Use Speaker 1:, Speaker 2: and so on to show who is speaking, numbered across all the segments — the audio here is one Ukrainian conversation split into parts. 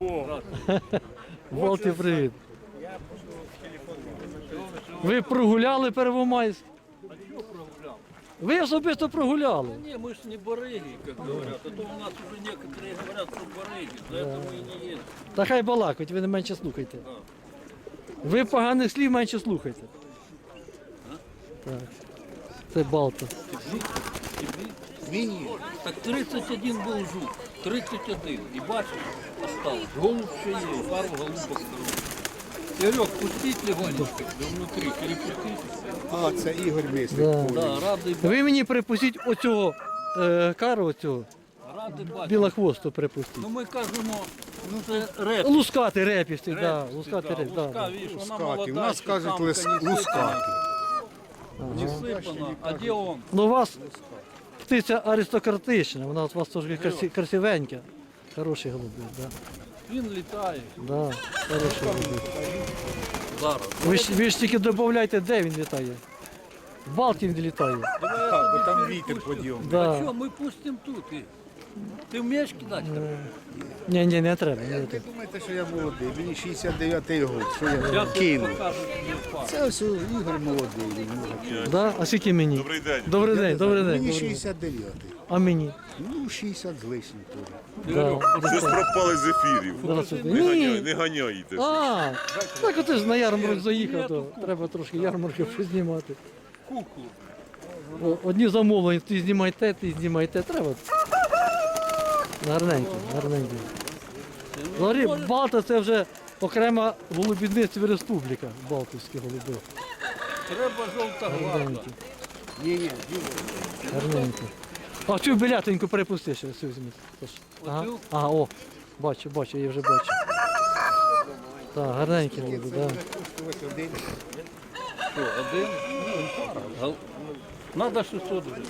Speaker 1: Балті, привіт. Ви прогуляли Первомайськ?
Speaker 2: А что прогулял?
Speaker 1: Ви особисто прогуляли.
Speaker 2: Не, мы ж не барыги, как говорят. А то у нас уже некоторые говорят, что барыги. За это мы и не едем.
Speaker 1: Та хай балакать, ви не менше слухайте. Ви поганих слів менше слухайте. Так. Це Балта.
Speaker 2: Так 31 был жук. 31. И бачишь, осталось. Голубь еще есть. Пару голубок. Серег, пустить легонечко. Да внутри. Перепустить.
Speaker 3: А, це Ігор Мисник.
Speaker 1: Да.
Speaker 2: Да, рады,
Speaker 1: Ви мені припустіть оцього кару, оцього
Speaker 2: рады бачить.
Speaker 1: білохвосту припустіть.
Speaker 2: Ну ми кажемо, ну це реп.
Speaker 1: Лускати репісти, так.
Speaker 2: Репісти,
Speaker 1: Лускати
Speaker 2: да.
Speaker 1: реп,
Speaker 2: Луска,
Speaker 1: да.
Speaker 2: видишь, вона
Speaker 3: Лускаті.
Speaker 2: молода.
Speaker 3: У нас
Speaker 2: ще
Speaker 3: кажуть
Speaker 2: самка не сипана.
Speaker 3: лускаті.
Speaker 2: Не сипана. А де он?
Speaker 1: Ну у вас птиця аристократична, вона у вас трошки красивенька. Хороший голубик, так.
Speaker 2: Він літає.
Speaker 1: Да, хороший голубик.
Speaker 2: Зараз.
Speaker 1: Ви ж тільки додавайте, де він літає. В Балті він літає.
Speaker 3: Так, бо там вітер підйом.
Speaker 2: А
Speaker 1: Да.
Speaker 2: що, ми пустимо тут. Ти вмієш кидати?
Speaker 1: Ні, не треба. Не
Speaker 3: Ви
Speaker 1: треба.
Speaker 3: думаєте, що я молодий? Мені 69-й год. Що я
Speaker 2: Зараз
Speaker 3: кину?
Speaker 2: покажу тобі факт.
Speaker 3: Це ось Ігор молодий.
Speaker 1: Да? А скільки мені?
Speaker 4: Добрий день.
Speaker 1: Добрий день, добрий день.
Speaker 3: Мені
Speaker 1: добрий день.
Speaker 3: 69-й.
Speaker 1: А мені?
Speaker 3: Ну, 60 з лишнім теж.
Speaker 1: Да.
Speaker 4: Щось пропали з ефірів.
Speaker 1: Здравствуйте.
Speaker 4: Не
Speaker 1: Ні.
Speaker 4: ганяйте.
Speaker 1: А, так от ти ж на ярмарок заїхав, то треба трошки ярмарки познімати.
Speaker 2: Куклу.
Speaker 1: Одні замовлення, ти знімай те, треба. Гарненько, гарненько. Взагалі, Балта це вже окрема голубідництва республіка, Балтівські голуби.
Speaker 2: Треба жовта гварда.
Speaker 1: Гарненько,
Speaker 3: Ні,
Speaker 1: гарненько. А цю білятеньку перепусти ще, цю візьми. Тож. Ага,
Speaker 2: Оцю?
Speaker 1: ага, о, бачу, я її вже бачу. Так, гарненькі голуби, так.
Speaker 3: Ось один.
Speaker 2: Що, один? Ну, пара. Надо 600 гривень.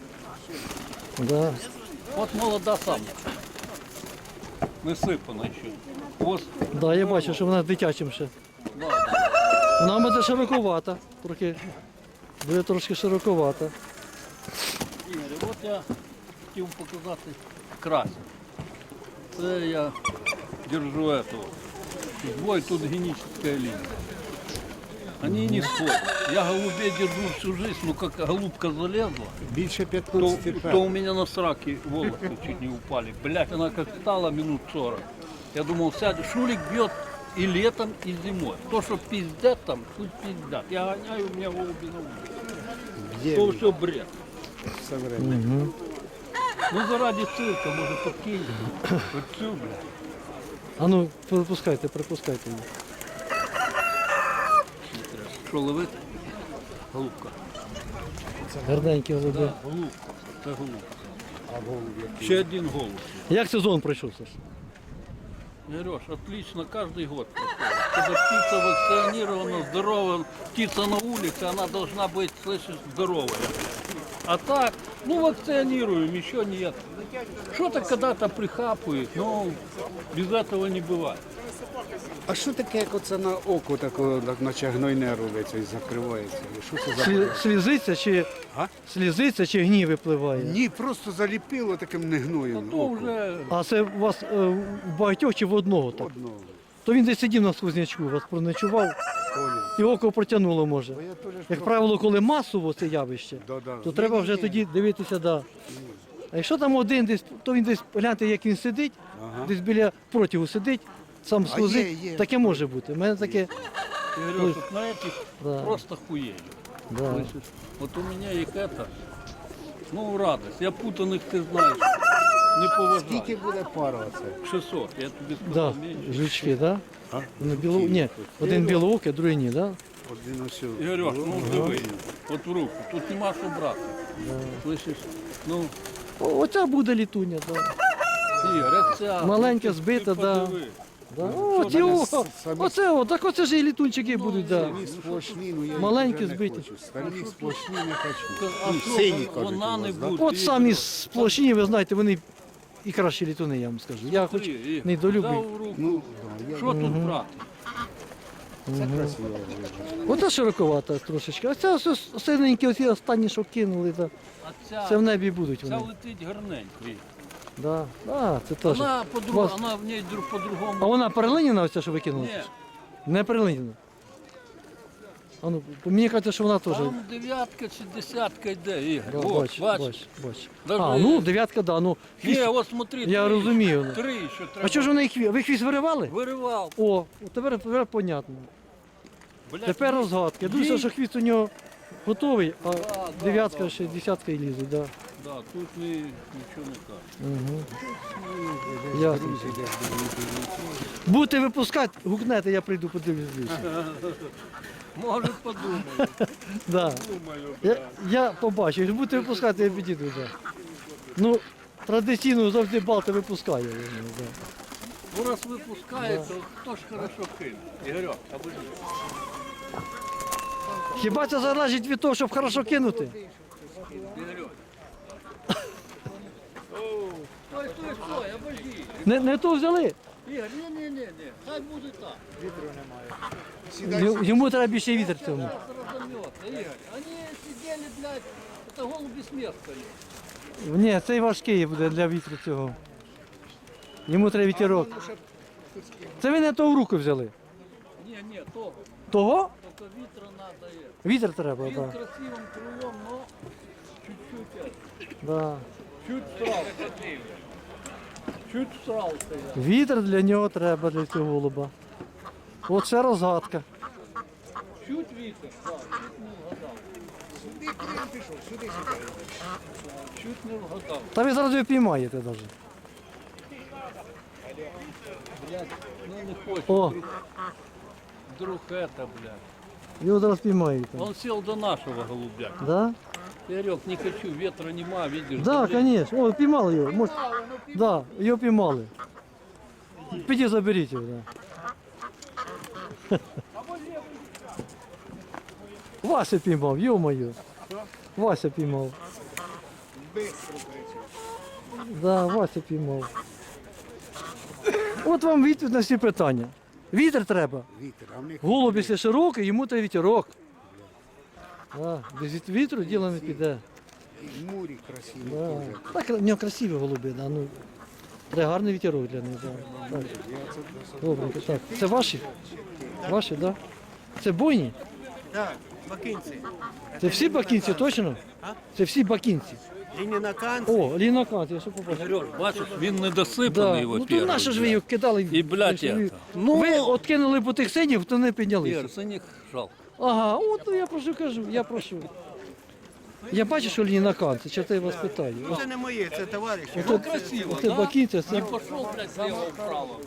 Speaker 1: Да.
Speaker 2: От молода самка. Не сипана ще. Ось,
Speaker 1: Да, я бачу, що вона дитячим ще.
Speaker 2: да.
Speaker 1: Вона буде широковата, трохи. Буде трошки широковата.
Speaker 2: Ігор, от я хотів показати красень. Це я держу этого. Двое тут генетическая линия. Они не сходят. Я голубей держу всю жизнь, но как голубка залезла,
Speaker 3: Більше
Speaker 2: то,
Speaker 3: 15
Speaker 2: то у меня на сраке волосы чуть не упали. Блять, она как стала минут 40. Я думал, сядет, шулик бьет и летом, и зимой. То, что пиздят там, пусть пиздят. Я гоняю, у меня голуби на улице. То все бред.
Speaker 3: все время.
Speaker 2: Ну заради цирка, может, подкинь. Вот всю, блядь.
Speaker 1: А ну, припускайте її.
Speaker 2: Що ловити? Голубка.
Speaker 1: Гарненькі голуби.
Speaker 2: Голубка. Це голубка. Ще один голуб.
Speaker 1: Як сезон пройшов, Саш?
Speaker 2: Сереж, отлично, каждый год проходит. Когда птица вакцинирована, здоровая, птица на улице, она должна быть, слышишь, здоровая. А так, ну вакционируем, еще нет. Что-то когда-то прихапывает, но без этого не бывает.
Speaker 3: А що таке, як оце на око такого, наче гнойне робиться і закривається? Що це за...
Speaker 1: Слізиться чи,
Speaker 3: А?
Speaker 1: слізиться чи гній випливає?
Speaker 3: Ні, просто заліпило таким негноєм.
Speaker 2: То уже
Speaker 1: А це у вас в багатьох чи в одного так?
Speaker 3: Одного.
Speaker 1: То він десь сидів на сквознячку, вас проночував
Speaker 3: Поняв.
Speaker 1: і око протягнуло може.
Speaker 3: Бо я теж
Speaker 1: Як правило, коли масово це явище,
Speaker 3: Да-да.
Speaker 1: то треба вже тоді дивитися, да. А якщо там один десь, то він десь, гляньте, як він сидить, десь біля протягу сидить, сам сквозить,
Speaker 3: є.
Speaker 1: таке може бути. У мене таке,
Speaker 2: я говорю, тут на этих
Speaker 1: Да.
Speaker 2: просто хуели.
Speaker 1: да.
Speaker 2: Слышишь? Вот у меня их это, ну радость. Я путаных, ты знаешь, не поважаю.
Speaker 3: Скільки буде пара оце?
Speaker 2: 600, я тебе
Speaker 1: Да,
Speaker 2: сказал, меньше.
Speaker 1: жучки, да?
Speaker 3: А?
Speaker 1: Ні, один білоокий, другий ні, да?
Speaker 3: Один ось.
Speaker 2: Ігорьош, ну диви, от в руку, тут нема що брати. Слышиш? Ну,
Speaker 1: Оця буде літуня, да.
Speaker 2: Ігор, як ця.
Speaker 1: Маленька,
Speaker 2: ну, ти
Speaker 1: збита, да.
Speaker 2: подиви.
Speaker 1: Да. Так оце ж і літунчики будуть, да.
Speaker 3: Самі сплошні, ну я
Speaker 1: Маленькі
Speaker 3: вже не
Speaker 1: збиті.
Speaker 3: хочу. Самі сплошні не хочу.
Speaker 2: А
Speaker 3: Ну,
Speaker 2: що,
Speaker 3: сині, кажуть,
Speaker 2: вона
Speaker 3: у
Speaker 2: не
Speaker 3: вас, да?
Speaker 2: буде.
Speaker 1: От самі сплошні, ви знаєте, вони і кращі літуни, я вам скажу. Я хоч
Speaker 2: Смотри, Ігор,
Speaker 1: недолюблю.
Speaker 2: взяв в руку.
Speaker 3: Ну, да, я...
Speaker 2: Що тут брати?
Speaker 3: це красиво.
Speaker 1: Оце широковата трошечки. А це ось синенькі, оці останні, що кинули, да.
Speaker 2: А ця,
Speaker 1: Це в небі будуть
Speaker 2: ця
Speaker 1: вони.
Speaker 2: летить гарненько. Ігор.
Speaker 1: Да. А, це теж.
Speaker 2: Она,
Speaker 1: Вас-
Speaker 2: она в ней по-другому.
Speaker 1: А вона перелиняна ось ця, що викинула?
Speaker 2: Ні.
Speaker 1: Не перелиняна. А ну, мені кажеться, що вона теж.
Speaker 2: Там дев'ятка чи десятка йде, Ігор.
Speaker 1: Да,
Speaker 2: От,
Speaker 1: бач,
Speaker 2: бачиш?
Speaker 1: бач, бач.
Speaker 2: Даже-
Speaker 1: А, ну, дев'ятка, да, ну.
Speaker 2: Ні,
Speaker 1: Хвіст...
Speaker 2: от смотри,
Speaker 1: Я
Speaker 2: три,
Speaker 1: розумію.
Speaker 2: Три ще треба.
Speaker 1: А чого ж вони хвіст? Ви хвіст виривали?
Speaker 2: Виривав.
Speaker 1: О, тепер понятно.
Speaker 2: Блядь,
Speaker 1: Тепер розгадки. Я думаю,
Speaker 2: Ні.
Speaker 1: що хвіст у нього готовий, а дев'ятка ще десятка і лізе, да.
Speaker 2: Да, тут нічого не каже.
Speaker 1: Угу. Ясно. Будете випускати, гукнете, я прийду подивлюсь більше.
Speaker 2: Може подумаю.
Speaker 1: Да. Я побачу, якщо будете випускати, я підійду. Да. Ну, традиційно завжди балти випускає. Да.
Speaker 2: Ну раз випускає, то хто ж хорошо кине? Ігорьок, або ні?
Speaker 1: Хіба це залежить від того, щоб хорошо кинути?
Speaker 2: Ігорьок. Стой, обожди.
Speaker 1: Не то взяли.
Speaker 2: Ігор, ні, хай буде так.
Speaker 1: Йому треба більше вітер цьому.
Speaker 2: Зараз розомнеться, Ігор. Вони сиділи, блядь, це голуби з міста.
Speaker 1: Ні, цей важкий буде для вітру цього. Йому треба вітерок. Це ви не того в руку взяли.
Speaker 2: Ні, того.
Speaker 1: Того?
Speaker 2: Тільки вітра надо є.
Speaker 1: Вітер треба,
Speaker 2: Він
Speaker 1: так.
Speaker 2: красивим крилом, но чуть-чуть.
Speaker 1: Да.
Speaker 2: Чуть всрался. Чуть всрался я.
Speaker 1: Вітер для нього треба, для цього голуба. От ще розгадка.
Speaker 2: Чуть вітер, так, чуть не вгадав. Чуть не вгадав.
Speaker 1: Та ви зараз його піймаєте навіть.
Speaker 2: Блядь, ну не хоче.
Speaker 1: О,
Speaker 2: Вдруг это, блядь.
Speaker 1: його зараз піймаєте.
Speaker 2: Он сел до нашего голубя.
Speaker 1: Да?
Speaker 2: Игорек, не хочу, ветра нема, видишь.
Speaker 1: Да,
Speaker 2: блядь.
Speaker 1: звісно. О, піймали його. Може... Да, його піймали. Підіть заберіть його. Да. Вася піймав, йо-моє. Вася піймав. Да, Вася піймав. От вам відповідь на всі питання. Вітер треба.
Speaker 3: Вітер, а в них
Speaker 1: Голуб, якщо широкий, йому треба вітерок. Да, без вітру діло не піде.
Speaker 3: і мурі красиві
Speaker 1: Да.
Speaker 3: теж.
Speaker 1: Так, в нього красиві голуби, да, ну, треба гарний вітерок для них. Да. Так. Добренько, так. Це ваші? Ваші, так? Да? Це бойні?
Speaker 4: Так, бакинці.
Speaker 1: Це всі бакінці, точно? Це всі бакінці.
Speaker 4: Лінінаканці.
Speaker 1: О, лінокант, я що побачив.
Speaker 2: Ігорек, бачиш, він недосипаний
Speaker 1: Да.
Speaker 2: його
Speaker 1: Ну то наше ж ви його кидали.
Speaker 2: І, блядь,
Speaker 1: Ви ж ви-
Speaker 2: это. Ну,
Speaker 1: ви от кинули по тих синів, то не піднялися.
Speaker 2: Ігор, синіх жалко.
Speaker 1: Ага, от ну, я прошу кажу, я прошу. Я бачу, що лінокант, це чого я вас питаю.
Speaker 4: Ну, це не моє, це товариші.
Speaker 1: Оце,
Speaker 2: красиво,
Speaker 1: оце
Speaker 2: да?
Speaker 1: бакінці,
Speaker 2: Не
Speaker 1: це,
Speaker 2: пошел, блядь, слева вправо.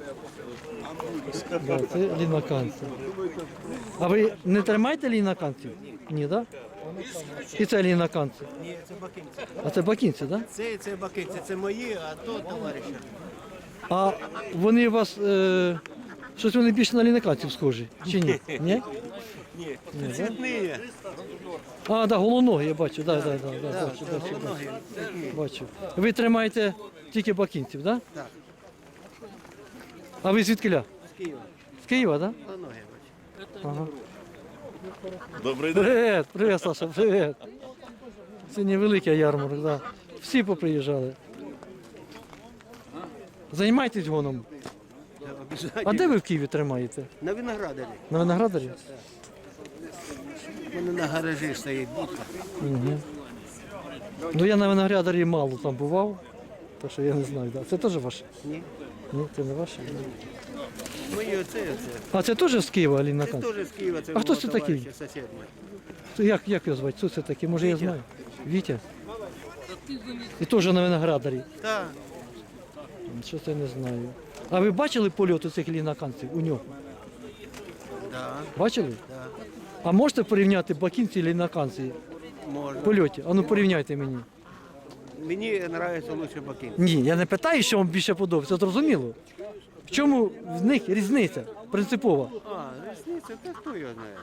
Speaker 1: да, це ліноканці. А ви не тримаєте ліноканців? Ні, так? Да? І це ліноканці.
Speaker 4: Ні, це бакинці.
Speaker 1: А це бакінці, так? Да?
Speaker 4: Це бакинці, це мої, а то товариші.
Speaker 1: А вони у вас, щось вони більше на ліноканців схожі, чи ні? Ні?
Speaker 4: Ні, це цвітні.
Speaker 1: А, да, голоногі, я бачу, да, бачу. Бачу. Ви тримаєте тільки бакінців, так? Да?
Speaker 4: Так.
Speaker 1: А ви звідкиля?
Speaker 4: З Києва.
Speaker 1: З Києва, так? Да?
Speaker 4: Ноги, бач.
Speaker 1: Ага. Привіт, привіт, Саша, привіт. Сьогодні великий ярмарок, да. Всі поприїжджали. Займайтесь гоном. А де ви в Києві тримаєте?
Speaker 4: На виноградарі.
Speaker 1: На Виноградарі?
Speaker 4: У мене на гаражі стоїть будка.
Speaker 1: Угу. Ну я на Виноградарі мало там бував, так що я не знаю. Да. Це теж ваше?
Speaker 4: Ні.
Speaker 1: Ні, це не ваше.
Speaker 4: Мої оце.
Speaker 1: А це теж з Києва, Аліна
Speaker 4: Це
Speaker 1: Кан?
Speaker 4: теж з Києва, це
Speaker 1: А хто
Speaker 4: мого
Speaker 1: це такий?
Speaker 4: товариша, сусід мій.
Speaker 1: Як його звати? Хто це такий? Може я знаю? Вітя? І теж на Виноградарі.
Speaker 4: Так.
Speaker 1: Що це не знаю. А ви бачили польот цих ліноканців у нього?
Speaker 4: Да,
Speaker 1: Бачили?
Speaker 4: да.
Speaker 1: А можете порівняти бакінці і ліноканці
Speaker 4: Можна.
Speaker 1: в польоті? А ну порівняйте мені.
Speaker 4: Мені подобається лучше бакинці.
Speaker 1: Ні, я не питаю, що вам більше подобається, зрозуміло. В чому в них різниця принципова?
Speaker 4: А, різниця, та хто його знає.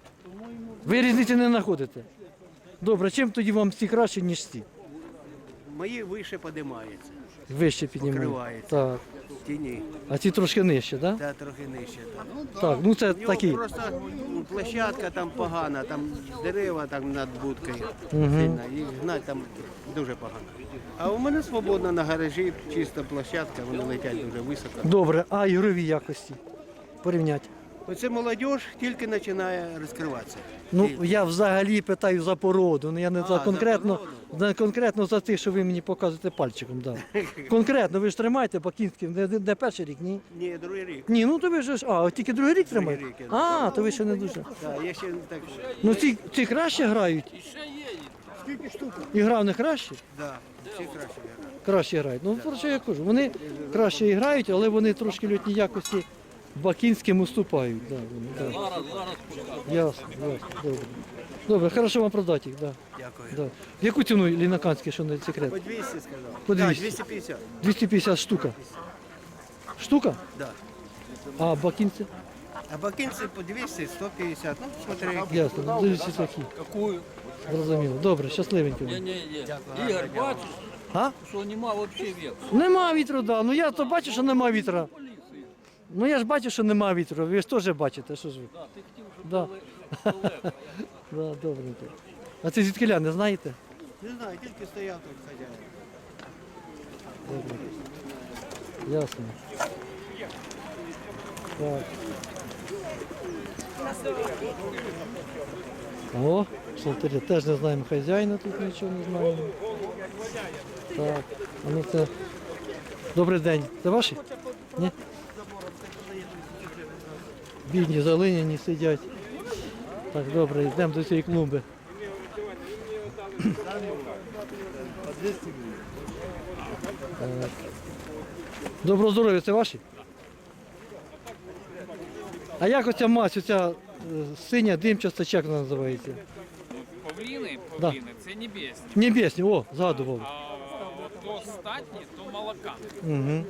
Speaker 1: Ви різниці не знаходите. Добре, чим тоді вам ці краще, ніж ці?
Speaker 4: мої вище підіймаються,
Speaker 1: Вище піднімають.
Speaker 4: Покривається.
Speaker 1: Так.
Speaker 4: в тіні,
Speaker 1: А ці трошки нижче, так?
Speaker 4: та трохи нижче.
Speaker 1: Так, ну це
Speaker 4: У нього
Speaker 1: такі.
Speaker 4: просто площадка там погана, там дерева там над будкою сильно, їх гнати там дуже погано. А у мене свободно на гаражі, чиста площадка, вони летять дуже високо.
Speaker 1: Добре, а ігрові якості? Порівняти.
Speaker 4: Оце молодь тільки починає розкриватися.
Speaker 1: Ну, я взагалі питаю за породу, ну я не за
Speaker 4: за
Speaker 1: конкретно,
Speaker 4: породу?
Speaker 1: не конкретно за те, що ви мені показуєте пальчиком. Да. Конкретно, ви ж тримаєте бакінський, не перший рік, ні?
Speaker 4: Ні, другий рік.
Speaker 1: Ні, ну то ви ж, от тільки другий рік тримаєте?
Speaker 4: рік я
Speaker 1: А, то ви ще не дуже.
Speaker 4: Так, я ще так.
Speaker 1: Ну ці краще грають?
Speaker 2: І ще є.
Speaker 1: І гра в них краще?
Speaker 4: Да, всі краще грають.
Speaker 1: Краще грають. Ну, про що я кажу? Вони краще і грають, але вони трошки льотні якості бакінським уступають. Да, вони, да.
Speaker 2: Зараз покажу.
Speaker 1: Ясно, добре. Добре, хорошо вам продати їх, да.
Speaker 4: Дякую.
Speaker 1: Да. В яку ціну лінаканські, що не секрет?
Speaker 4: По 200 сказав.
Speaker 1: По 200.
Speaker 4: Так, 250.
Speaker 1: 250 штука. Штука?
Speaker 4: Да.
Speaker 1: А бакінці?
Speaker 4: А бакинці по 200, 150. Ну, смотри, які.
Speaker 1: Ясно, дивіться такі.
Speaker 2: Какую?
Speaker 1: Зрозуміло. Добре, щасливенько.
Speaker 2: Ні. Ігор, бачиш,
Speaker 1: А?
Speaker 2: що нема взагалі віку.
Speaker 1: Нема вітру, да. Ну я то бачу, що нема вітра. Ну я ж бачу, що нема вітру. Ви ж теж бачите, що ж ви.
Speaker 2: Да, ти хотів, щоб
Speaker 1: Да.
Speaker 2: далеко.
Speaker 1: Да, добренько. А це звідкиля, не знаєте?
Speaker 4: Не знаю, тільки стояв тут хазяїн.
Speaker 1: Добре. Ясно. Так. О, шалтері. Теж не знаємо хазяїна, тут нічого не знаємо. Так, а ну це. Добрий день. Це ваші? Ні? Бідні, залиняні сидять. Так, добре, йдемо до цієї клумби. Так. Доброго здоров'я, це ваші? А як оця мазь, оця синя димчаста, чи як вона називається?
Speaker 5: Павліни,
Speaker 1: Да.
Speaker 5: це небесні.
Speaker 1: Небесні, о, згадував.
Speaker 5: А то статні, то молока.
Speaker 1: Угу.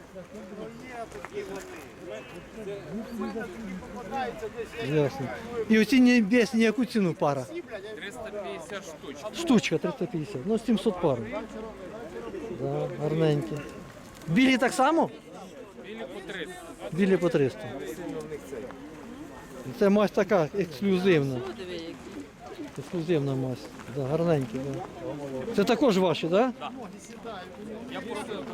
Speaker 1: Ясно. І оці небесні, яку ціну пара?
Speaker 5: 350 штучок.
Speaker 1: Штучка 350, ну 700 пар. Да, гарненькі. Білі так само?
Speaker 5: Білі по 300.
Speaker 1: Білі по 300. Це мазь така ексклюзивна. Ексклюзивна мазь. Да, гарненькі. Да. Це також ваші, так? Да?
Speaker 5: Я просто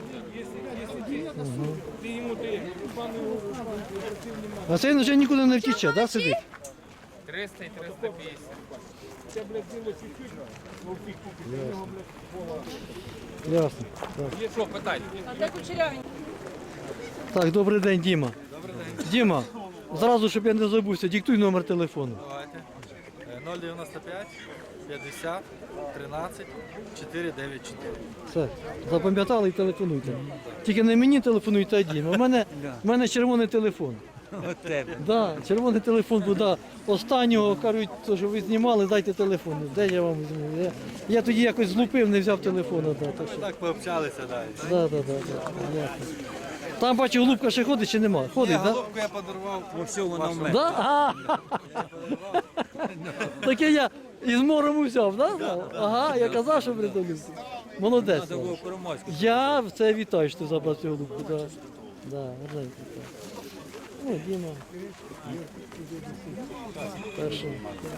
Speaker 1: А це він вже нікуди не втіче, да, сидить?
Speaker 5: 300 і 350.
Speaker 1: Ясно. Так.
Speaker 5: Що, питайте?
Speaker 1: Так, добрий день, Діма. Добрий день. Діма, зразу, щоб я не забувся, диктуй номер телефону.
Speaker 6: Давайте. 095 50 13 494.
Speaker 1: Все, запам'ятали і телефонуйте. Тільки не мені телефонуйте, а Дімі. У мене червоний телефон. Да, червоний телефон буде останнього, кажуть, то, що ви знімали, дайте телефон. Де я вам візьму? Я тоді якось злупив, не взяв телефону. Да, так що.
Speaker 6: Так пообщалися далі.
Speaker 1: Да. Ясно. Там бачу, голубка ще ходить чи нема? Ходить, так? Да?
Speaker 6: Головку я подарував у всього на мене.
Speaker 1: Да? А, таке я із мором взяв, да? Ага, я казав, що придумав. Молодець. Я це вітаю, що ти забрав цю голубку. Да. Да, гарненько, так. Ну, Діма. Перший.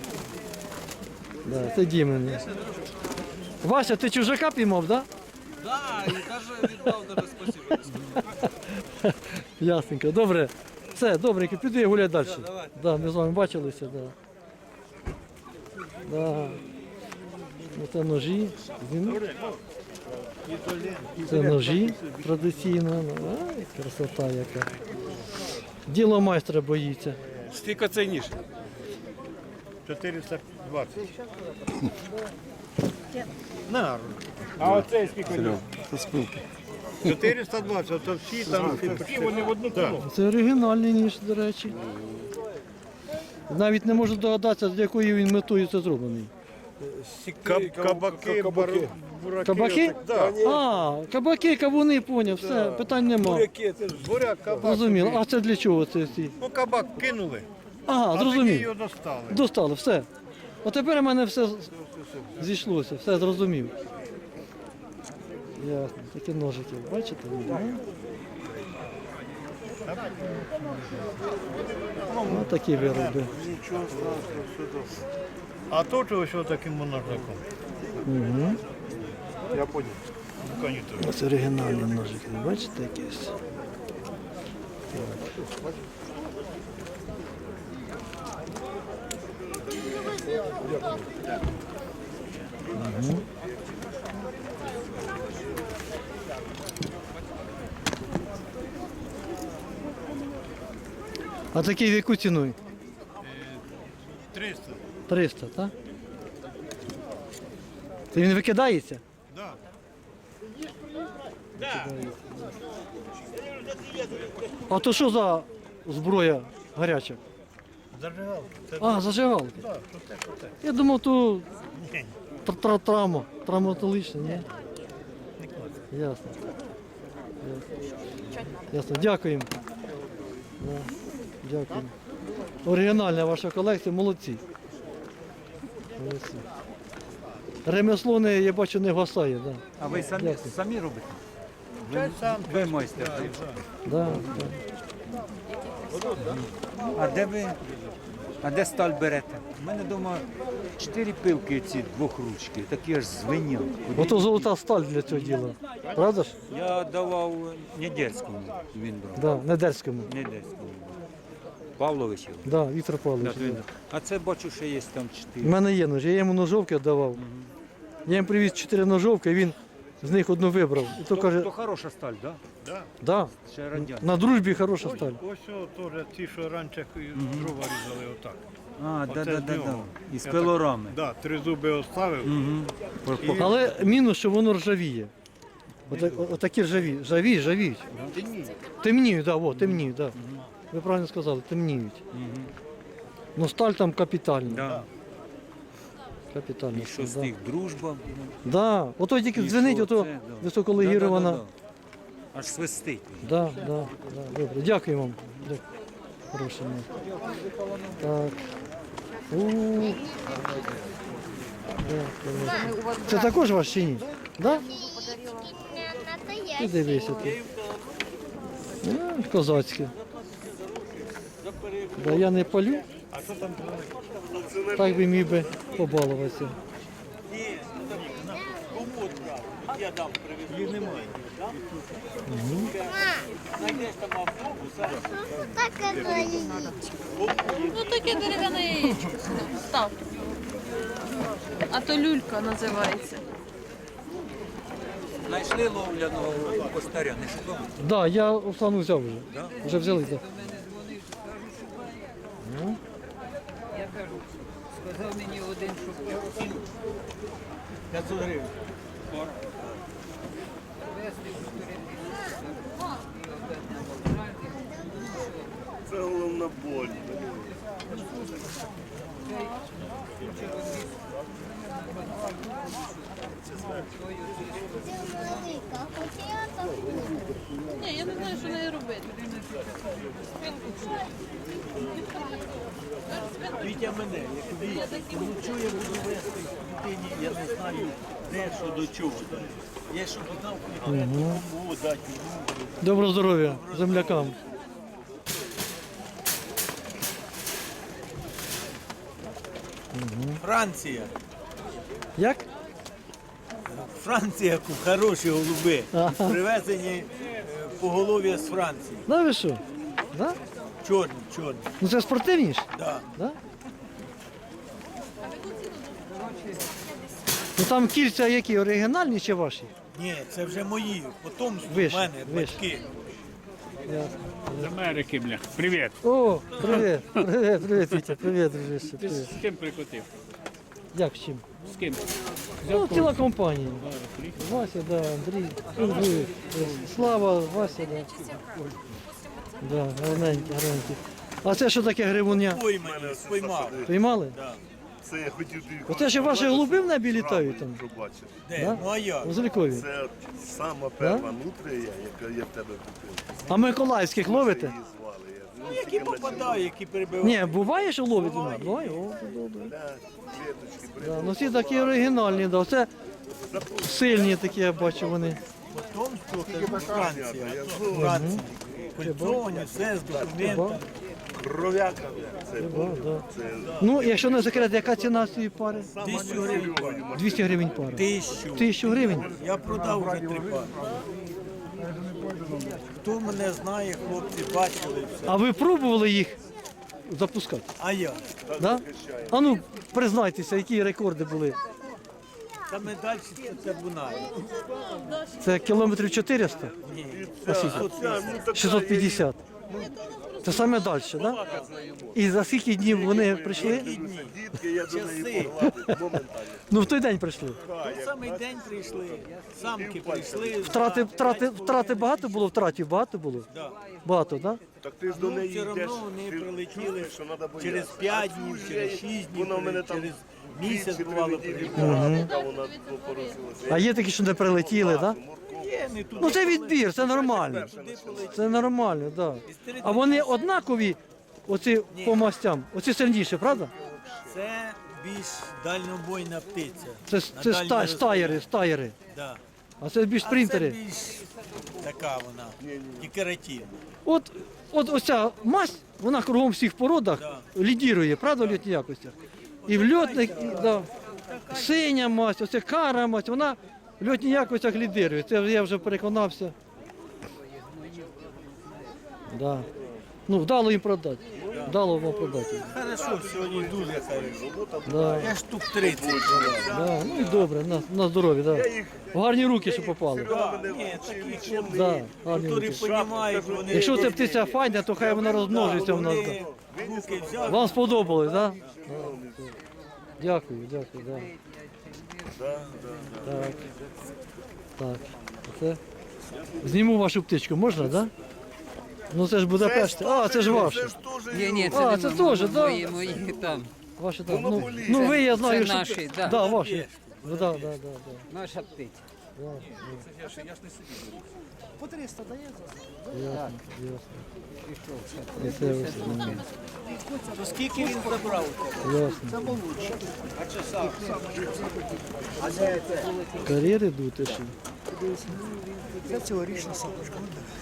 Speaker 1: Да, це Дімин. Вася, ти чужака піймав, так? Да?
Speaker 6: Так, і навіть віддав даже спасибо.
Speaker 1: Ясненько, добре. Все, добренько, піду я гуляти далі.
Speaker 6: давай.
Speaker 1: Да, ми з вами бачилися, да. Да. Це ножі. Це ножі традиційно. Ай, красота яка. Діло майстра боїться.
Speaker 4: Скільки цей ніж?
Speaker 7: 420.
Speaker 4: А оцей скільки?
Speaker 7: 420, то всі там всі вони в одну ціну.
Speaker 1: Це оригінальний ніж, до речі. Навіть не можу здогадатися, з якою він метою це зроблений.
Speaker 7: Кабаки, бураки.
Speaker 1: Кабаки?
Speaker 7: Да.
Speaker 1: А, кабаки, кавуни, поняв, все, питань нема.
Speaker 7: Буряк, кабак.
Speaker 1: Зрозуміло. А це для чого це всі?
Speaker 7: Ну, кабак кинули,
Speaker 1: Ага,
Speaker 7: а тоді
Speaker 1: зрозумів.
Speaker 7: його достали.
Speaker 1: Достало, все. От тепер у мене все зійшлося, все зрозумів. Ясно. Такі ножики, бачите? Ну, ну такі вироби.
Speaker 7: А то чого що таким монархом?
Speaker 1: Угу.
Speaker 7: Я понял. Ну, конечно.
Speaker 1: Ось оригінальні ножики, бачите якісь? Угу. А такий в яку ціну?
Speaker 7: 300.
Speaker 1: 300, так? Це він викидається?
Speaker 7: Да.
Speaker 1: А то що за зброя гаряча?
Speaker 7: Зажигалка. Це
Speaker 1: А, зажигалки.
Speaker 7: да, що те, що те.
Speaker 1: Я думав, то
Speaker 7: Ні.
Speaker 1: травматологічне, ні? Ясно. Ясно. Дякуємо. Да. Дякуємо. Оригінальна ваша колекція, молодці. Молодці. Ремесло не, я бачу, не гасає, да.
Speaker 8: А ви самі,
Speaker 1: Дякую.
Speaker 8: самі робите?
Speaker 7: Це сам.
Speaker 8: Ви майстер. так?
Speaker 1: Да, да.
Speaker 8: А де сталь берете? У мене вдома 4 пилки ці двохручки, такі аж звенять.
Speaker 1: Ото золота сталь для цього діла. Правда ж?
Speaker 8: Я давав Недельському, він брав.
Speaker 1: Да, Недельському.
Speaker 8: Недельському. Павловичу.
Speaker 1: Да, Віктор Павлович.
Speaker 8: Да,
Speaker 1: Да.
Speaker 8: А це бачу, що є там
Speaker 1: У
Speaker 8: 4.
Speaker 1: мене є ножі, я йому ножовки віддавав. Я їм привіз 4 ножовки, він з них одну вибрав. І то каже,
Speaker 8: То хороша сталь, так?
Speaker 7: Да.
Speaker 1: да,
Speaker 8: Ще радянська.
Speaker 1: на дружбі хороша сталь.
Speaker 7: Ось о, теж ті, що раніше дрова різали отак.
Speaker 8: А,
Speaker 7: Оце
Speaker 8: да.
Speaker 7: з нього.
Speaker 8: Із
Speaker 7: Я
Speaker 8: пилорами.
Speaker 7: Да, 3 зуби оставив.
Speaker 1: Але мінус, що воно ржавіє. Отакі ржавіють. Темніють, да, о, темніють, да. Ви правильно сказали, темніють. Ну сталь там капітальна.
Speaker 8: Да.
Speaker 1: Капітальна.
Speaker 8: І що з
Speaker 1: да.
Speaker 8: них дружба.
Speaker 1: Да. Ото тільки
Speaker 8: І
Speaker 1: дзвенить,
Speaker 8: що
Speaker 1: ото
Speaker 8: це, да.
Speaker 1: високолегірована.
Speaker 8: Да. Аж свистить.
Speaker 1: Да. Добре, дякую вам. Дякую. Хороше. Так. Дякую. Це також ваш чи ні? Да? Ти дивися ти. Козацьке. Да, я не палю. Так би міг би побалуватися.
Speaker 9: Ну таке дерев'яне яєчко. Став. А то люлька називається.
Speaker 8: Знайшли ловляного постаря, не шукали?
Speaker 1: Да, я Оксану взяв вже.
Speaker 8: Да?
Speaker 1: Вже взяли, так.
Speaker 8: Сказав мені один, що 500 гривень.
Speaker 7: Це головна боль.
Speaker 9: Ні, я не знаю, що нею робити.
Speaker 10: Вітя мене, як що я буду вести дитині, я не знаю, де, що до чого. Я щоб дав кому дати.
Speaker 1: Доброго здоров'я землякам.
Speaker 10: Франція.
Speaker 1: Як?
Speaker 10: Франція, хороші голуби.
Speaker 1: Ага.
Speaker 10: Привезені поголов'я з Франції.
Speaker 1: Да ви що? Да?
Speaker 10: Чорні.
Speaker 1: Ну це спортивні ж?
Speaker 10: Да.
Speaker 1: Да? Ну там кільця які, оригінальні чи ваші?
Speaker 10: Ні, це вже мої. Потомство в
Speaker 1: Вище,
Speaker 10: мене,
Speaker 1: вище.
Speaker 10: батьки.
Speaker 1: Ясно.
Speaker 2: З Америки, бля. Привіт.
Speaker 1: О, привіт, Вітя, привіт, дружище,
Speaker 2: Ти
Speaker 1: привіт.
Speaker 2: з ким прикотив?
Speaker 1: Як з чим?
Speaker 2: З ким?
Speaker 1: Ну, ціла компанія. Вася, да, Андрій, Андрій, Слава, Вася, да. Да, гарненькі. А це що таке гривуня?
Speaker 10: Поймані, споймав.
Speaker 1: Піймали?
Speaker 10: Да.
Speaker 7: Це я хотів тобі
Speaker 1: Оце ще ваші голуби в небі літають там?
Speaker 7: що бачиш.
Speaker 10: Де?
Speaker 1: Да?
Speaker 10: Ну а як?
Speaker 1: У Зелькові.
Speaker 7: Це сама перша нутрія, яка я в тебе купив.
Speaker 1: А миколаївських ловите?
Speaker 7: Її звали.
Speaker 10: Ну які попадають, які перебивають.
Speaker 1: Ні, буває, що ловите? Буває, о, це добре.
Speaker 7: Клеточки,
Speaker 1: Да, ну всі такі оригінальні, да. Це Сильні такі, я бачу вони.
Speaker 10: Потомство, це Франція. Франція. Культовані, все з документами.
Speaker 7: Кров'яка. Це
Speaker 1: Да, да. Ну, якщо не секрет, яка ціна цієї пари?
Speaker 10: 1000 гривень.
Speaker 1: 200 гривень пара.
Speaker 10: 1000.
Speaker 1: 1000 гривень?
Speaker 10: Я продав вже 3 пари. Хто мене знає, хлопці бачили все.
Speaker 1: А ви пробували їх запускати?
Speaker 10: А я?
Speaker 1: Да? А ну, признайтеся, які рекорди були?
Speaker 10: Саме далі це Бунай.
Speaker 1: Це кілометрів 400?
Speaker 10: Ні.
Speaker 1: А скільки? 650. Це саме далі, так? Да? І за скільки днів вони прийшли?
Speaker 7: дітки, я до неї
Speaker 10: Часи.
Speaker 7: погладив моментально.
Speaker 1: Ну, в той день прийшли.
Speaker 10: В самий день прийшли, самки прийшли.
Speaker 1: Втрати багато було? Втратів багато було?
Speaker 10: Да.
Speaker 1: Багато, так? Да?
Speaker 7: Так ти ж до
Speaker 10: Ну,
Speaker 7: неї
Speaker 10: все
Speaker 7: йдеш.
Speaker 10: одно вони
Speaker 7: ти
Speaker 10: прилетіли
Speaker 7: чуєш, що треба боятися.
Speaker 10: через 5 днів, через 6 днів,
Speaker 7: Вона в мене там
Speaker 10: через місяць
Speaker 7: 2-3
Speaker 10: бувало
Speaker 7: неділі
Speaker 10: прилетіли.
Speaker 7: була, поки вона поросилася.
Speaker 1: А є такі, що не прилетіли, так? Да?
Speaker 10: Є, не туди.
Speaker 1: Ну це відбір, це нормально. Це нормально, так. Да. А вони однакові, оці по мастям, оці сильніші, правда?
Speaker 10: Це більш дальнобойна птиця.
Speaker 1: Це
Speaker 10: На дальній
Speaker 1: стаєри.
Speaker 10: Да.
Speaker 1: А це більш
Speaker 10: А це
Speaker 1: спринтери.
Speaker 10: більш така вона, декоративна.
Speaker 1: От оця масть, вона кругом всіх породах лідірує, правда, в льотній якостях? І в льотних, і, да, синя масть, оце кара масть, вона в льотній якостях лідирує. Це я вже переконався. Да. Ну, вдало їм продати. Вдало вам продати.
Speaker 10: Хорошо, сьогодні дуже хорошо.
Speaker 1: Да.
Speaker 10: Я штук 30 продав.
Speaker 1: Да. Ну і добре, на здоров'я, да. В гарні руки, що попали.
Speaker 10: Ні, такі хлопці,
Speaker 1: Да, гарні
Speaker 10: які
Speaker 1: руки.
Speaker 10: розуміють, вони...
Speaker 1: Якщо ця птиця файна, то хай вона розмножиться в нас. Да.
Speaker 10: Вони руки взяли.
Speaker 1: Вам сподобалось, так? Да? Дякую, дякую, да. Так. Так. Оце. Зніму вашу птичку, можна, так? Да? Ну це ж Будапешт. А, це ж ваше.
Speaker 7: Ні,
Speaker 1: А, це теж, так? Да?
Speaker 11: Мої там.
Speaker 1: Ваші там. Ну ви, я знаю,
Speaker 11: це
Speaker 1: що...
Speaker 11: наші, да.
Speaker 1: Да, ваші. Ну, да, да, да, да.
Speaker 11: Наша птиця.
Speaker 1: По 300 дається? Ясно, ясно. І це ось,
Speaker 10: То скільки він забрав?
Speaker 1: ясно. Кар'єри дути ще.
Speaker 10: Це цьогорічна самочка.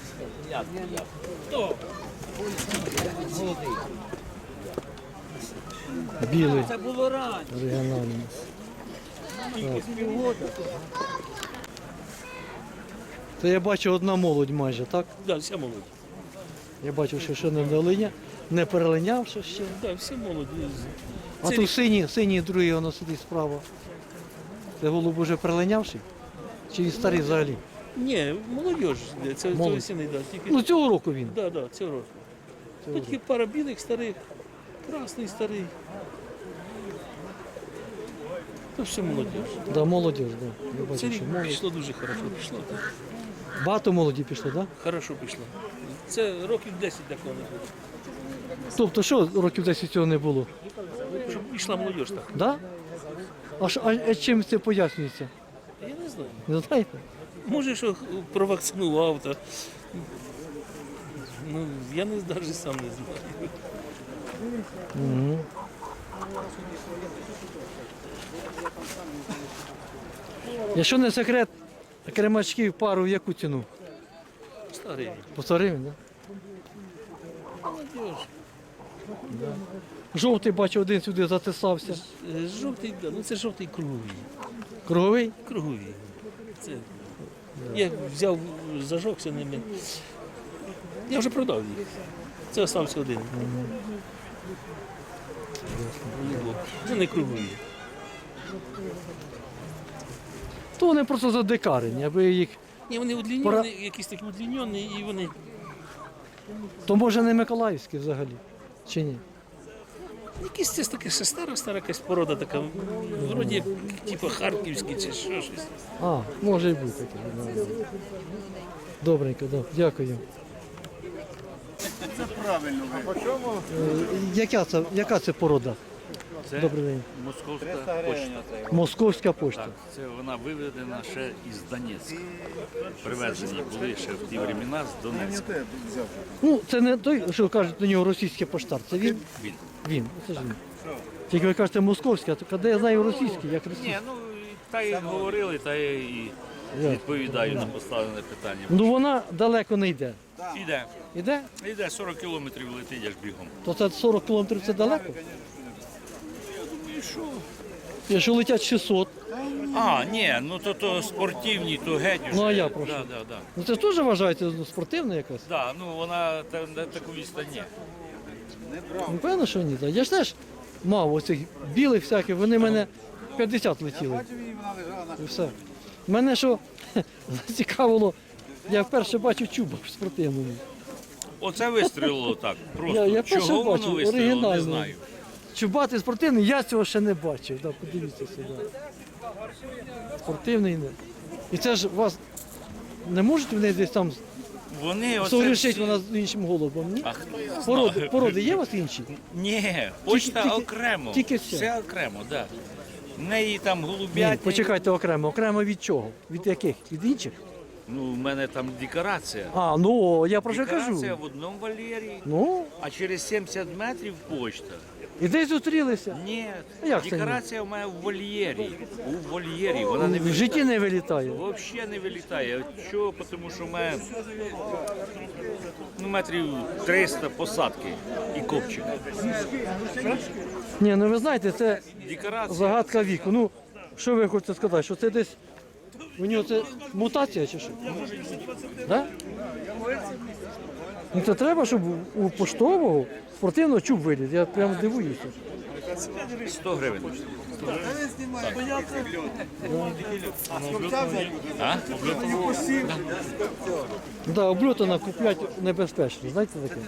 Speaker 1: Білий,
Speaker 10: Це було раніше.
Speaker 1: регіональний. Це я бачу одна молодь майже, так?
Speaker 2: Да, вся молодь.
Speaker 1: Я бачу, що ще не перелинявши ще.
Speaker 2: Да, всі молоді.
Speaker 1: А тут синій другий воно сидить справа. Це голуб уже перелинявший? Чи він старий взагалі?
Speaker 2: Ні, молодь. Це
Speaker 1: Молодь.
Speaker 2: осінний, да. Тільки...
Speaker 1: Ну цього року він.
Speaker 2: Да, да, цього року. Тут тільки пара білих старих, красний старий. Це все молодь.
Speaker 1: Да, молодіж, да. Я
Speaker 2: Це
Speaker 1: бачу,
Speaker 2: рік
Speaker 1: що молодь.
Speaker 2: пішло дуже хорошо. Пішло.
Speaker 1: Багато молоді пішло, так? Да?
Speaker 2: Хорошо пішло. Це років 10 такого не було.
Speaker 1: Тобто що років 10 цього не було?
Speaker 2: Щоб пішла молодь так.
Speaker 1: Да? А чим це пояснюється?
Speaker 2: Я не знаю.
Speaker 1: Не знаєте?
Speaker 2: Може, що провакцинував, то... Ну, я навіть сам не знаю.
Speaker 1: Угу. Якщо не секрет, кремачків пару в яку ціну?
Speaker 2: Старий.
Speaker 1: По 100 гривень, так?
Speaker 2: Молодь.
Speaker 1: Да? Жовтий, бачу, один сюди затисався.
Speaker 2: Жовтий, да, ну це жовтий круговий.
Speaker 1: Круговий?
Speaker 2: Круговий. Це... Я взяв, зажогся ними. Я вже продав їх. Це залишився один. Це не кругові.
Speaker 1: То вони просто задекарені, аби їх...
Speaker 2: Ні, вони удлінені, якісь такі удлінені, і вони...
Speaker 1: То може не Миколаївські взагалі, чи ні?
Speaker 2: Якісь це таке ще стара якась порода така, вроді як типу харківські чи що щось.
Speaker 1: А, може і бути таке. Да. Добренько, да. Дякую.
Speaker 7: Це правильно.
Speaker 1: Яка це порода?
Speaker 12: Це
Speaker 1: Добрий день.
Speaker 12: московська почта.
Speaker 1: Московська пошта.
Speaker 12: Так, це вона виведена ще із Донецька. Привезені були ще в ті времена з Донецька.
Speaker 1: Ну, це не той, що кажуть до нього російський поштар. Це він?
Speaker 12: Він.
Speaker 1: Він. Це ж він. Тільки ви кажете московська, то коли я знаю російський, як російський.
Speaker 10: Ні, ну
Speaker 12: Так як говорили, та я і відповідаю на поставлене питання.
Speaker 1: Ну вона далеко не йде.
Speaker 12: Іде.
Speaker 1: Іде?
Speaker 12: Іде 40 кілометрів летить аж бігом.
Speaker 1: То це 40 кілометрів це далеко? Якщо летять 600,
Speaker 12: А, ні, ну то спортивні, то геть уже.
Speaker 1: Ну, а я прошу.
Speaker 12: Да.
Speaker 1: ну це ж теж вважається спортивна якась?
Speaker 12: Да, ну вона на таку відстань ні.
Speaker 1: Ну, певно, що ні. Я ж теж мав оцих білих всяких, вони в мене 50 летіли. І все. Мене що цікавило, я вперше бачу чуба в спортивному.
Speaker 12: Оце вистрілило так. Просто
Speaker 1: Я перше
Speaker 12: чого
Speaker 1: бачу,
Speaker 12: воно вистрілило, не
Speaker 1: оригінально.
Speaker 12: знаю.
Speaker 1: Чубатий спортивний, я цього ще не бачив. Да, подивіться сюди. Спортивний не. І це ж вас не можуть вони десь там
Speaker 12: Вони оце
Speaker 1: соврішить
Speaker 12: всі-
Speaker 1: вона з іншим голубом, ні?
Speaker 12: А хто його знає?
Speaker 1: Породи є у вас інші?
Speaker 12: Ні, почта
Speaker 1: Тільки-
Speaker 12: окремо.
Speaker 1: тільки все.
Speaker 12: Все окремо, так. Да. В неї там
Speaker 1: Ні,
Speaker 12: голуб'ятні.
Speaker 1: почекайте окремо. Окремо від чого? Від яких? Від інших?
Speaker 12: Ну, в мене там декорація.
Speaker 1: А, ну я про що
Speaker 12: Декорація
Speaker 1: кажу.
Speaker 12: в одному вольєрі,
Speaker 1: Ну,
Speaker 12: а через 70 метрів почта.
Speaker 1: і десь зустрілися.
Speaker 12: Ні,
Speaker 1: Як це ні?
Speaker 12: декорація в мене в вольєрі. У вольєрі, вона не
Speaker 1: В житті не вилітає.
Speaker 12: Взагалі не вилітає. Чого? Тому що в мене метрів 300 посадки і копчик.
Speaker 1: Ні, ну ви знаєте, це
Speaker 12: Декорація.
Speaker 1: загадка віку. Ну, що ви хочете сказати, що це десь у нього це мутація чи що? Да? Ну це треба, щоб у поштового спортивного чуб виліз. Я прямо дивуюся.
Speaker 12: 100 гривень. А?
Speaker 1: Да, обльотана купляти небезпечно, знаєте таке?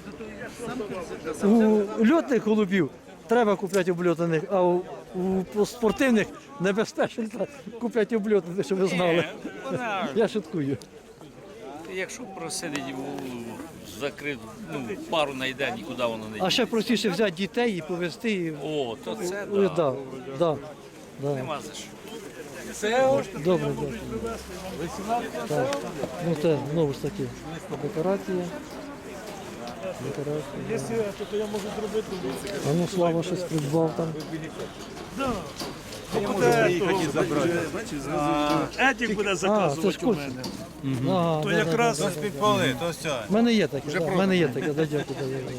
Speaker 1: У льотних голубів треба купляти обльотаних, а у спортивних небезпечно купляти обльотаних, щоб ви знали.
Speaker 12: Вона,
Speaker 1: Я шуткую.
Speaker 12: якщо просидить закрит, пару найде, нікуди воно не
Speaker 1: А ще простіше взяти дітей і повезти. І...
Speaker 12: О, то це
Speaker 1: Да, да, да.
Speaker 12: нема за що.
Speaker 1: Добре, дякую. Так. Ну це знову ж таки декорація. Декорація. А ну Слава щось придбав там.
Speaker 10: Етік буде
Speaker 1: А, це ж
Speaker 10: заказувати у
Speaker 1: курс.
Speaker 10: мене.
Speaker 1: Ага,
Speaker 10: То
Speaker 1: да,
Speaker 10: якраз
Speaker 1: да,
Speaker 10: підпали, то все.
Speaker 1: да. В мене є таке, в мене є таке, да, дякую.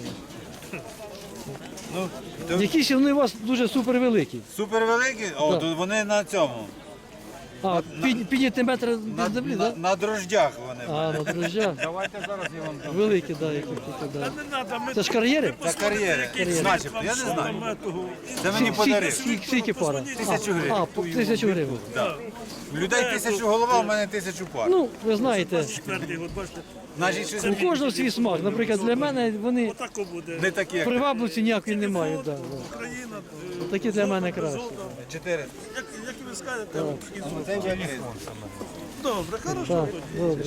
Speaker 1: Да. Якісь вони у вас дуже супер великі.
Speaker 10: Супер великі? О, то вони на цьому.
Speaker 1: А, підняти метр до землі, так?
Speaker 10: На дрождях вони.
Speaker 1: А, на дрожжах.
Speaker 3: Давайте зараз я вам дам.
Speaker 1: Великі, так, які тут, да. Це ж кар'єри?
Speaker 10: Це кар'єри. Начебто, я не знаю. Це мені подарив.
Speaker 1: Скільки пара?
Speaker 10: 1000 гривень.
Speaker 1: А, по 1000 гривень.
Speaker 10: У людей 1000 голова, у мене 1000 пар.
Speaker 1: Ну, ви знаєте,
Speaker 10: Значить, щось
Speaker 1: у кожного свій смак. Наприклад, для мене вони
Speaker 10: не такі, як
Speaker 1: привабливості ніякої не мають. Да, да. Такі для мене краще.
Speaker 10: 4.
Speaker 1: Так, добре.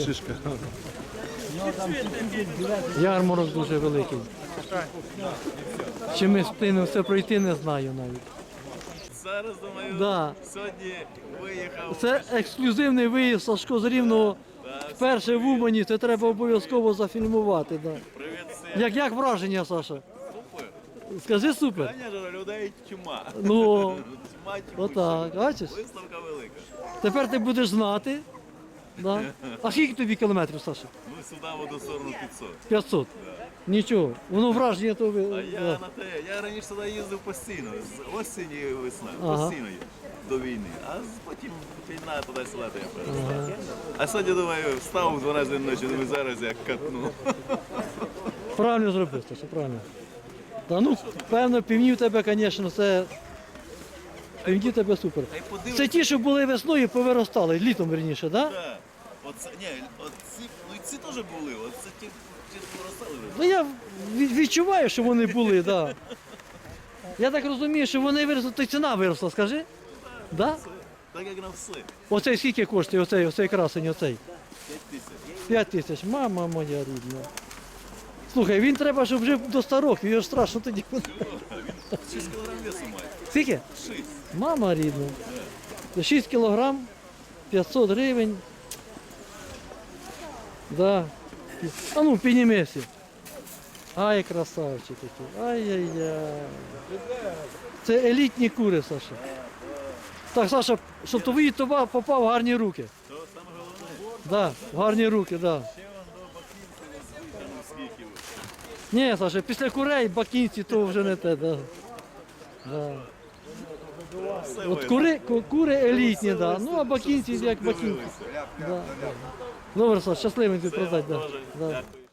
Speaker 1: Ярмарок дуже великий. Чи ми встигнемо все пройти, не знаю навіть.
Speaker 6: Зараз, думаю,
Speaker 1: Да.
Speaker 6: сьогодні виїхав.
Speaker 1: Це ексклюзивний виїзд Сашко з Рівного. Вперше в Умані, це треба обов'язково зафільмувати. Да.
Speaker 6: Привіт,
Speaker 1: Як враження, Саша? Скажи супер.
Speaker 6: Звісно, людей чума.
Speaker 1: Ну,
Speaker 6: Чума,
Speaker 1: отак, бачиш?
Speaker 6: виставка велика.
Speaker 1: Тепер ти будеш знати. Да. А скільки тобі кілометрів, Саша?
Speaker 6: Ну, сюди в одну сторону 500.
Speaker 1: 500. Нічого. Воно враження то ви.
Speaker 6: А я
Speaker 1: да.
Speaker 6: на те, я раніше сюди їздив постійно, з осені і весна,
Speaker 1: Ага.
Speaker 6: постійно до війни. А потім війна туди-сюди то я перестав. А сьогодні, думаю, встав у 12 ночі, думаю, зараз я катну.
Speaker 1: Правильно зробив, Саша, правильно. Та ну, певно, півні в тебе, звісно, це. Півні в тебе супер. Це ті, що були весною, повиростали, літом верніше, так? Да?
Speaker 6: Так. Оце, ні, оці, ну і ці теж були, оце ті поростали вже.
Speaker 1: Ну я відчуваю, що вони були, так. Да. Я так розумію, що вони виросли, то й ціна виросла, скажи? Да?
Speaker 6: Так як на все.
Speaker 1: Оцей скільки коштує, оцей красень, оцей?
Speaker 6: 5 тисяч.
Speaker 1: 5 тисяч, мама моя рідна. Слухай, він треба, щоб жив до 100 років, його ж страшно тоді.
Speaker 6: 6 кілограм весу має.
Speaker 1: Скільки?
Speaker 6: 6.
Speaker 1: Мама рідна. 6 кілограм, 500 гривень. Да. А ну, піднімися. Ай, красавчик який. Ай-яй-яй. Це елітні кури, Саша. Так, Саша, щоб твій товар попав в гарні руки. Да, в гарні руки, да. Ні, Саша, після курей бакінці то вже не те, да. Да. От кури елітні, да. Ну а бакінці як бакінці. Да, да. Добре, Саша, щасливий ти продати, да. Да.